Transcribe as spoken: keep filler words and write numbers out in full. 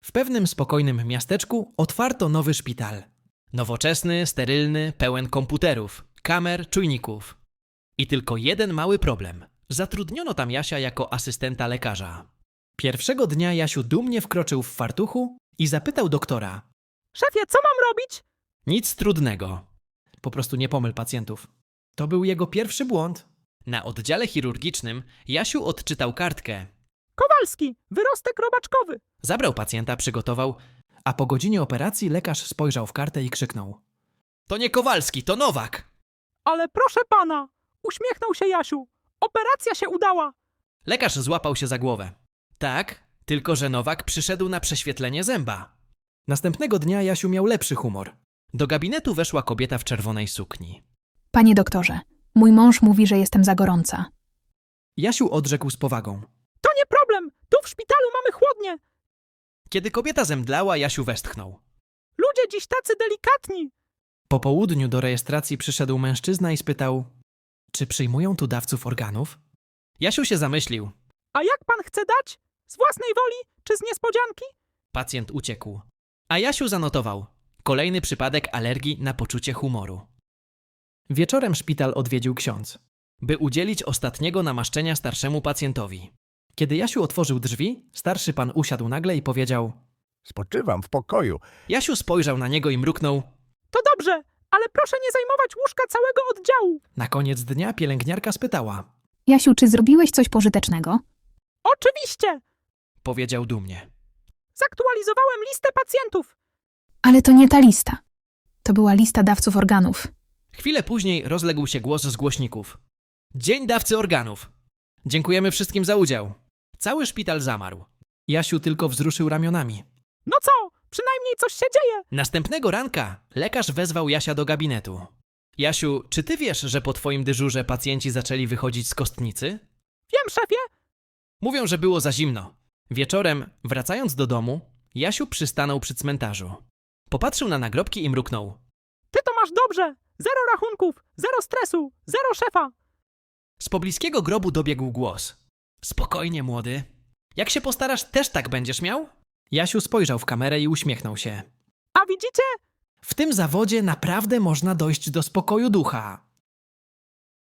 W pewnym spokojnym miasteczku otwarto nowy szpital. Nowoczesny, sterylny, pełen komputerów, kamer, czujników. I tylko jeden mały problem. Zatrudniono tam Jasia jako asystenta lekarza. Pierwszego dnia Jasiu dumnie wkroczył w fartuchu i zapytał doktora. Szefie, co mam robić? Nic trudnego. Po prostu nie pomyl pacjentów. To był jego pierwszy błąd. Na oddziale chirurgicznym Jasiu odczytał kartkę. Kowalski, wyrostek robaczkowy. Zabrał pacjenta, przygotował, a po godzinie operacji lekarz spojrzał w kartę i krzyknął. To nie Kowalski, to Nowak! Ale proszę pana, uśmiechnął się Jasiu. Operacja się udała. Lekarz złapał się za głowę. Tak, tylko że Nowak przyszedł na prześwietlenie zęba. Następnego dnia Jasiu miał lepszy humor. Do gabinetu weszła kobieta w czerwonej sukni. Panie doktorze, mój mąż mówi, że jestem za gorąca. Jasiu odrzekł z powagą. To nie problem, tu w szpitalu mamy chłodnie. Kiedy kobieta zemdlała, Jasiu westchnął. Ludzie dziś tacy delikatni. Po południu do rejestracji przyszedł mężczyzna i spytał, czy przyjmują tu dawców organów? Jasiu się zamyślił. A jak pan chce dać? Z własnej woli czy z niespodzianki? Pacjent uciekł. A Jasiu zanotował. Kolejny przypadek alergii na poczucie humoru. Wieczorem szpital odwiedził ksiądz, by udzielić ostatniego namaszczenia starszemu pacjentowi. Kiedy Jasiu otworzył drzwi, starszy pan usiadł nagle i powiedział. Spoczywam w pokoju. Jasiu spojrzał na niego i mruknął. To dobrze, ale proszę nie zajmować łóżka całego oddziału. Na koniec dnia pielęgniarka spytała. Jasiu, czy zrobiłeś coś pożytecznego? Oczywiście. Powiedział dumnie. Zaktualizowałem listę pacjentów. Ale to nie ta lista. To była lista dawców organów. Chwilę później rozległ się głos z głośników. Dzień dawcy organów. Dziękujemy wszystkim za udział. Cały szpital zamarł. Jasiu tylko wzruszył ramionami. No co, przynajmniej coś się dzieje. Następnego ranka lekarz wezwał Jasia do gabinetu. Jasiu, czy ty wiesz, że po twoim dyżurze pacjenci zaczęli wychodzić z kostnicy? Wiem, szefie. Mówią, że było za zimno. Wieczorem, wracając do domu, Jasiu przystanął przy cmentarzu. Popatrzył na nagrobki i mruknął. Ty to masz dobrze. Zero rachunków, zero stresu, zero szefa. Z pobliskiego grobu dobiegł głos. Spokojnie, młody. Jak się postarasz, też tak będziesz miał? Jasiu spojrzał w kamerę i uśmiechnął się. A widzicie? W tym zawodzie naprawdę można dojść do spokoju ducha.